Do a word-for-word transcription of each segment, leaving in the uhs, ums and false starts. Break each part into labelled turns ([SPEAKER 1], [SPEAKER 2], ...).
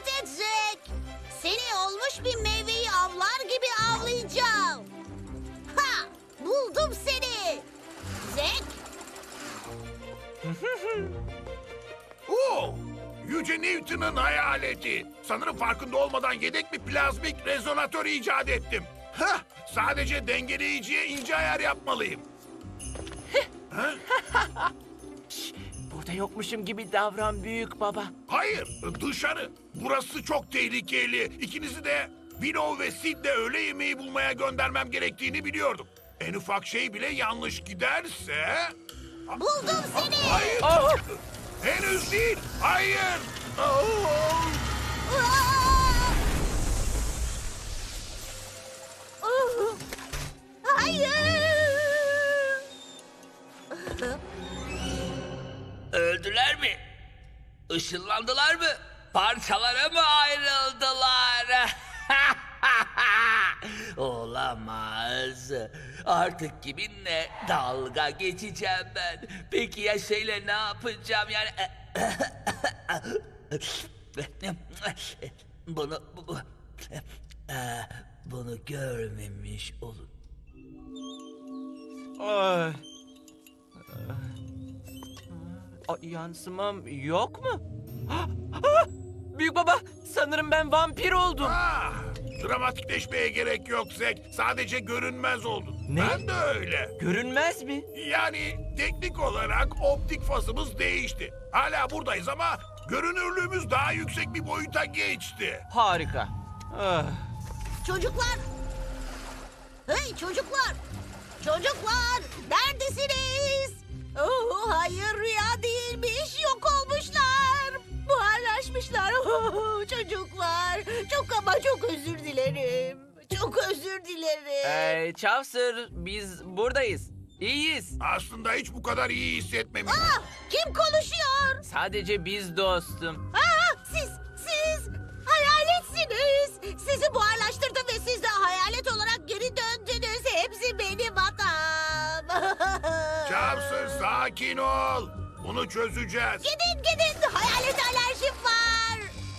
[SPEAKER 1] Dikkat et Zek. Seni olmuş bir meyveyi avlar gibi avlayacağım. Ha! Buldum seni. Zek.
[SPEAKER 2] Oo, Yüce Newton'un hayaleti. Sanırım farkında olmadan yedek bir plazmik rezonatör icat ettim. Hah, sadece dengeleyiciye ince ayar yapmalıyım. Ha?
[SPEAKER 3] Burada yokmuşum gibi davran büyük baba.
[SPEAKER 2] Hayır, dışarı. Burası çok tehlikeli. İkinizi de Willow ve Sid'le öğle yemeği bulmaya göndermem gerektiğini biliyordum. En ufak şey bile yanlış giderse...
[SPEAKER 1] Buldum seni.
[SPEAKER 2] Hayır,
[SPEAKER 3] Oh!
[SPEAKER 2] henüz değil. Hayır. Oh!
[SPEAKER 1] Aa! Oh! Hayır.
[SPEAKER 4] Öldüler mi? Işınlandılar mı? Parçalara mı ayrıldılar? Olamaz. Artık kiminle dalga geçeceğim ben? Peki ya şeyle ne yapacağım yani? Bunu bu, bu- bunu görmemiş olun.
[SPEAKER 3] Ay. Ay, yansımam yok mu? Ah, ah! Büyük baba, sanırım ben vampir oldum.
[SPEAKER 2] Ah, dramatikleşmeye gerek yok Zek. Sadece görünmez oldun.
[SPEAKER 3] Ne?
[SPEAKER 2] Ben de öyle.
[SPEAKER 3] Görünmez mi?
[SPEAKER 2] Yani teknik olarak optik fazımız değişti. Hala buradayız ama görünürlüğümüz daha yüksek bir boyuta geçti.
[SPEAKER 3] Harika. Ah.
[SPEAKER 1] Çocuklar. Hey çocuklar. Çocuklar neredesiniz? Oh, hayır rüya değilmiş. Yok olmuşlar. Buharlaşmışlar. Oh, çocuklar. Çok ama çok özür dilerim. Çok özür dilerim.
[SPEAKER 3] Ee, Chaucer, biz buradayız. İyiyiz.
[SPEAKER 2] Aslında hiç bu kadar iyi hissetmemiştim.
[SPEAKER 1] Ah, kim konuşuyor?
[SPEAKER 3] Sadece biz dostum.
[SPEAKER 1] Aa, siz, siz hayaletsiniz. Sizi buharlaştırdım ve siz de hayalet olarak geri döndünüz. Hepsi benim hatam.
[SPEAKER 2] Chaucer sakin ol. Bunu çözeceğiz.
[SPEAKER 1] Gidin gidin. Hayalet alerjim var.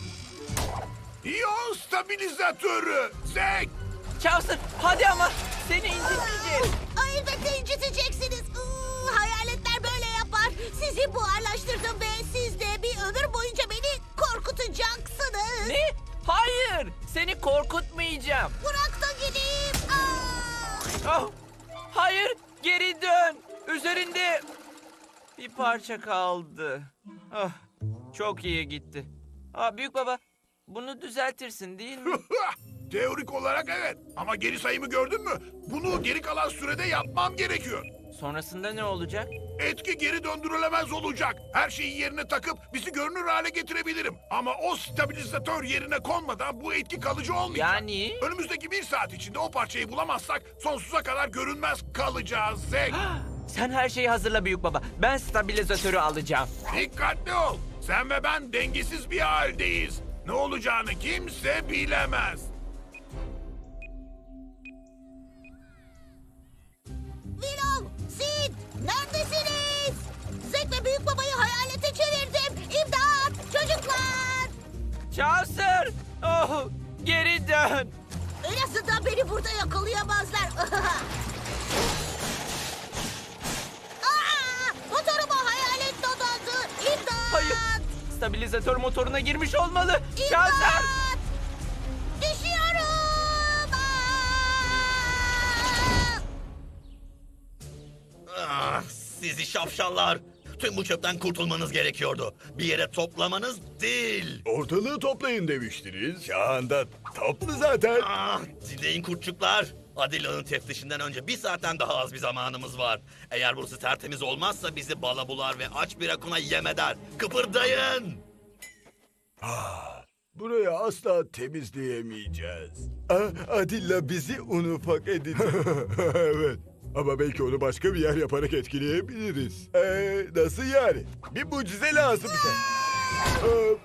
[SPEAKER 2] İyon stabilizatörü. Zek.
[SPEAKER 3] Chaucer, hadi ama seni incitmeyeceğiz.
[SPEAKER 1] Aa, elbette inciteceksiniz. Iı, hayaletler böyle yapar. Sizi buharlaştırdım ve siz de bir ömür boyunca beni korkutacaksınız.
[SPEAKER 3] Ne? Hayır, seni korkutmayacağım.
[SPEAKER 1] Bırak da gideyim. Aa!
[SPEAKER 3] Oh, hayır, geri dön. Üzerinde bir parça kaldı. Ah, çok iyi gitti. Aa, büyük baba, bunu düzeltirsin değil mi?
[SPEAKER 2] Teorik olarak evet. Ama geri sayımı gördün mü? Bunu geri kalan sürede yapmam gerekiyor.
[SPEAKER 3] Sonrasında ne olacak?
[SPEAKER 2] Etki geri döndürülemez olacak. Her şeyi yerine takıp bizi görünür hale getirebilirim. Ama o stabilizatör yerine konmadan bu etki kalıcı olmayacak.
[SPEAKER 3] Yani?
[SPEAKER 2] Önümüzdeki bir saat içinde o parçayı bulamazsak sonsuza kadar görünmez kalacağız Zek.
[SPEAKER 3] Sen her şeyi hazırla büyük baba. Ben stabilizatörü alacağım.
[SPEAKER 2] Dikkatli ol. Sen ve ben dengesiz bir haldeyiz. Ne olacağını kimse bilemez.
[SPEAKER 1] Willow, Sid, neredesiniz? Zek ve Büyük Baba'yı hayalete çevirdim. İmdat, çocuklar.
[SPEAKER 3] Chaucer! Oh, geri dön.
[SPEAKER 1] En azından beni burada yakalayamazlar. Aa, motoruma hayalet dodandı. İmdat.
[SPEAKER 3] Hayır, stabilizatör motoruna girmiş olmalı. Chaucer!
[SPEAKER 1] İmdat. Düşüyorum. Aa!
[SPEAKER 5] Ah, sizi şapşallar. Tüm bu çöpten kurtulmanız gerekiyordu. Bir yere toplamanız değil.
[SPEAKER 6] Ortalığı toplayın demiştiniz. Şu anda toplu zaten.
[SPEAKER 5] Ah, dinleyin kurtçuklar. Adilla'nın teftişinden önce bir saatten daha az bir zamanımız var. Eğer burası tertemiz olmazsa bizi bala bular ve aç bir akuna yem eder. Kıpırdayın.
[SPEAKER 6] Burayı asla temizleyemeyeceğiz. Ah, Adilla bizi un ufak edecek. Evet. Ama belki onu başka bir yer yaparak etkileyebiliriz. Ee, nasıl yani? Bir mucize lazım bize. Ee,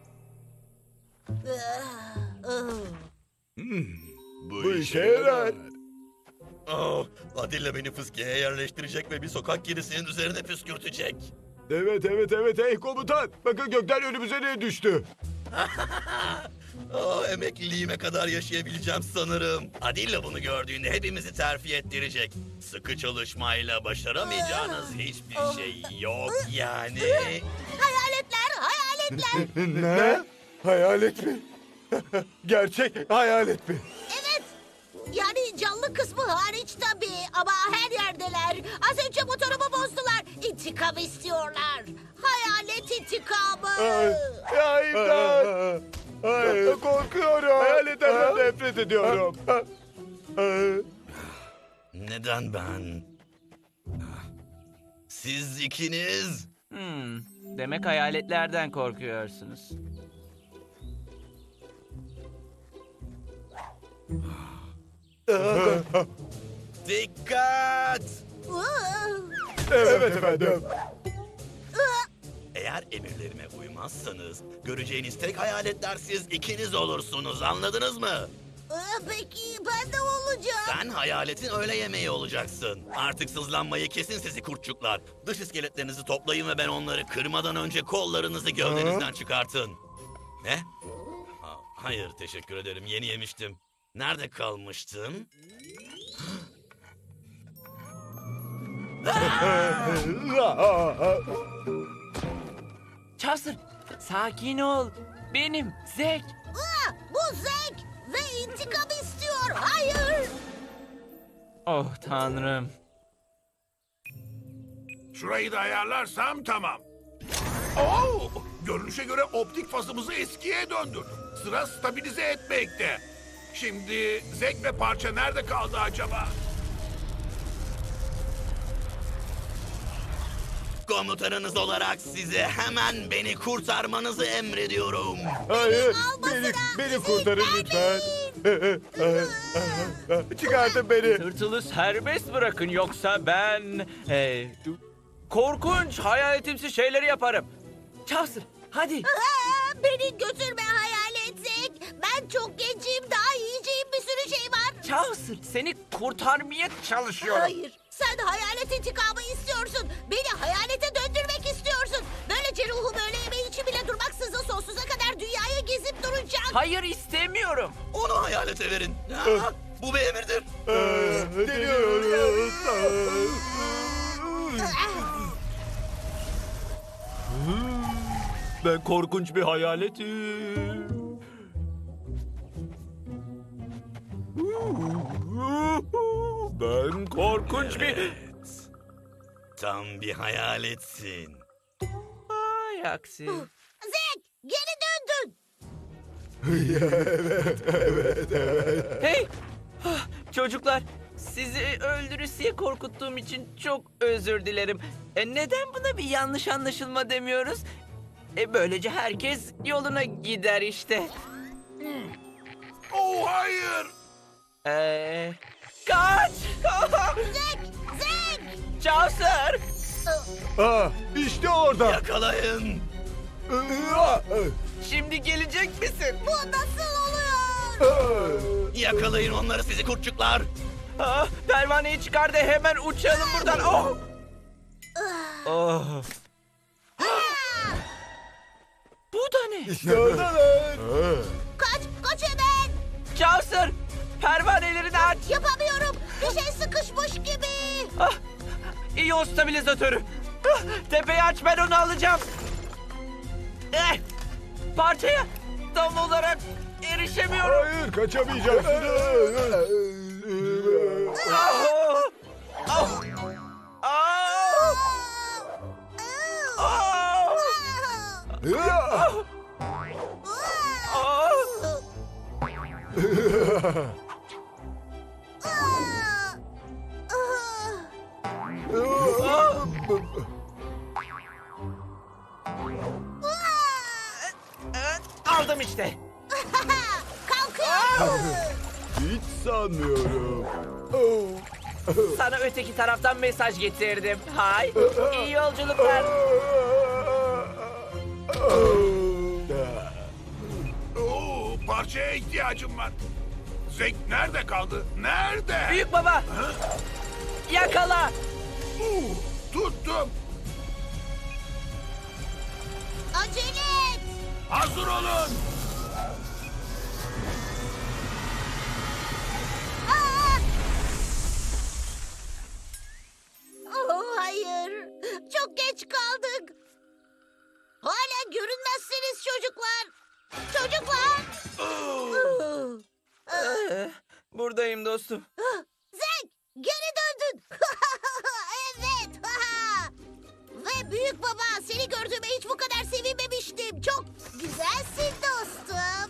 [SPEAKER 2] Bu,
[SPEAKER 6] bu işe yarar.
[SPEAKER 5] Oh, Adilla beni fıskiyeye yerleştirecek ve bir sokak kedisinin üzerine püskürtecek.
[SPEAKER 6] Evet evet evet hey komutan. Bakın gökten önümüze ne düştü?
[SPEAKER 5] Oh, emekliliğime kadar yaşayabileceğim sanırım. Adilla bunu gördüğünde hepimizi terfi ettirecek. Sıkı çalışmayla başaramayacağınız hiçbir şey yok yani.
[SPEAKER 1] Hayaletler, hayaletler.
[SPEAKER 6] Ne? Hayalet mi? Gerçek hayalet mi?
[SPEAKER 1] Evet. Yani canlı kısmı hariç tabii ama her yerdeler. Az önce motorumu bozdular. İntikam istiyorlar. Hayalet intikamı.
[SPEAKER 6] Ay, imdat! Hayır. Korkuyorum. Hayaletlerden nefret ediyorum.
[SPEAKER 5] Neden ben? Siz ikiniz...
[SPEAKER 3] Hmm, demek hayaletlerden korkuyorsunuz.
[SPEAKER 5] Dikkat!
[SPEAKER 6] Evet efendim.
[SPEAKER 5] Eğer emirlerime uymazsanız göreceğiniz tek hayaletler siz ikiniz olursunuz, anladınız mı?
[SPEAKER 1] Aa, Peki ben de olacağım.
[SPEAKER 5] Sen hayaletin öğle yemeği olacaksın. Artık sızlanmayı kesin sizi kurtçuklar. Dış iskeletlerinizi toplayın ve ben onları kırmadan önce kollarınızı gövdenizden çıkartın. Ne? Ha, hayır, teşekkür ederim. Yeni yemiştim. Nerede kalmıştım?
[SPEAKER 3] Chaucer, sakin ol. Benim Zek.
[SPEAKER 1] Aa, bu Zek ve intikam istiyor. Hayır.
[SPEAKER 3] Oh tanrım.
[SPEAKER 2] Şurayı da ayarlarsam tamam. Oo, görünüşe göre optik fazımızı eskiye döndürdüm. Sıra stabilize etmekte. Şimdi Zek ve parça nerede kaldı acaba?
[SPEAKER 5] Komutanınız olarak size hemen beni kurtarmanızı emrediyorum.
[SPEAKER 6] Hayır.
[SPEAKER 1] almasın
[SPEAKER 6] Beni,
[SPEAKER 1] ha,
[SPEAKER 6] beni
[SPEAKER 1] bizi
[SPEAKER 6] kurtarın lütfen. Çıkartın beni.
[SPEAKER 3] Tırtılı serbest bırakın yoksa ben... e, korkunç hayaletimsi şeyleri yaparım. Chaucer, hadi.
[SPEAKER 1] Aa, beni götürme hayalet Zek. Ben çok gencim. Daha yiyeceğim bir sürü şey var.
[SPEAKER 3] Chaucer, seni kurtarmaya çalışıyorum.
[SPEAKER 1] Hayır. Sen hayalet intikamı istiyorsun. Beni hayalete döndürmek istiyorsun. Böylece ruhum öğle yemeği için bile durmaksızın sonsuza kadar dünyayı gezip duracak.
[SPEAKER 3] Hayır istemiyorum.
[SPEAKER 5] Onu hayalete verin. Ha, bu bir emirdir.
[SPEAKER 6] Deniyoruz.
[SPEAKER 3] Ben korkunç bir hayaletim. Ben korkunç bir...
[SPEAKER 5] Tam bir hayaletsin.
[SPEAKER 3] Ay aksi.
[SPEAKER 1] Zek geri döndün.
[SPEAKER 3] Hey! Ah, çocuklar, sizi öldürüsüye korkuttuğum için çok özür dilerim. E, neden buna bir yanlış anlaşılma demiyoruz? E, böylece herkes yoluna gider işte.
[SPEAKER 2] Oh hayır!
[SPEAKER 3] Eee... Kaç!
[SPEAKER 1] Zek! Zek!
[SPEAKER 3] Chaucer!
[SPEAKER 6] Ah, işte orada.
[SPEAKER 5] Yakalayın.
[SPEAKER 3] Şimdi gelecek misin?
[SPEAKER 1] Bu nasıl oluyor?
[SPEAKER 5] Yakalayın onları sizi kurtçuklar.
[SPEAKER 3] Ah, pervaneyi çıkar da hemen uçalım buradan. Oh! Oh! Bu da ne?
[SPEAKER 6] İşte oradalar.
[SPEAKER 1] Kaç, kaç hemen.
[SPEAKER 3] Chaucer! Pervanelerini aç!
[SPEAKER 1] Yapamıyorum. Bir şey sıkışmış gibi.
[SPEAKER 3] Ah, iyon stabilizatörü. Ah, tepeyi aç, ben onu alacağım. Eh, parçaya tam olarak erişemiyorum.
[SPEAKER 6] Hayır, kaçamayacaksınız.
[SPEAKER 3] Ah, ah, ah, ah, ah. Aldım işte.
[SPEAKER 1] Kalkıyor.
[SPEAKER 6] Hiç sanmıyorum.
[SPEAKER 3] Sana öteki taraftan mesaj getirdim. Hay, iyi yolculuklar.
[SPEAKER 2] Oo, parçaya ihtiyacım var. Zek nerede kaldı? Nerede?
[SPEAKER 3] Büyük baba, yakala.
[SPEAKER 2] Oo, tuttum.
[SPEAKER 1] Acele et.
[SPEAKER 2] Hayır! Hazır olun.
[SPEAKER 1] Aa! Oh, hayır. Çok geç kaldık. Hala görünmezsiniz çocuklar. Çocuklar.
[SPEAKER 2] Oo.
[SPEAKER 3] Ee, buradayım dostum.
[SPEAKER 1] Zek, geri döndün. Evet. Ve büyük baba, seni gördüğüme hiç bu kadar sevinmemiştim. Çok güzelsin dostum.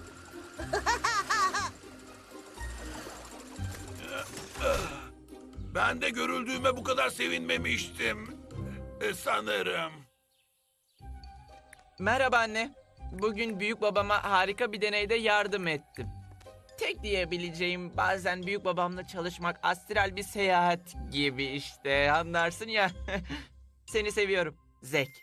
[SPEAKER 2] Ben de görüldüğüme bu kadar sevinmemiştim. E, sanırım.
[SPEAKER 3] Merhaba anne. Bugün büyük babama harika bir deneyde yardım ettim. Tek diyebileceğim bazen büyük babamla çalışmak astral bir seyahat gibi işte anlarsın ya. Seni seviyorum Zek.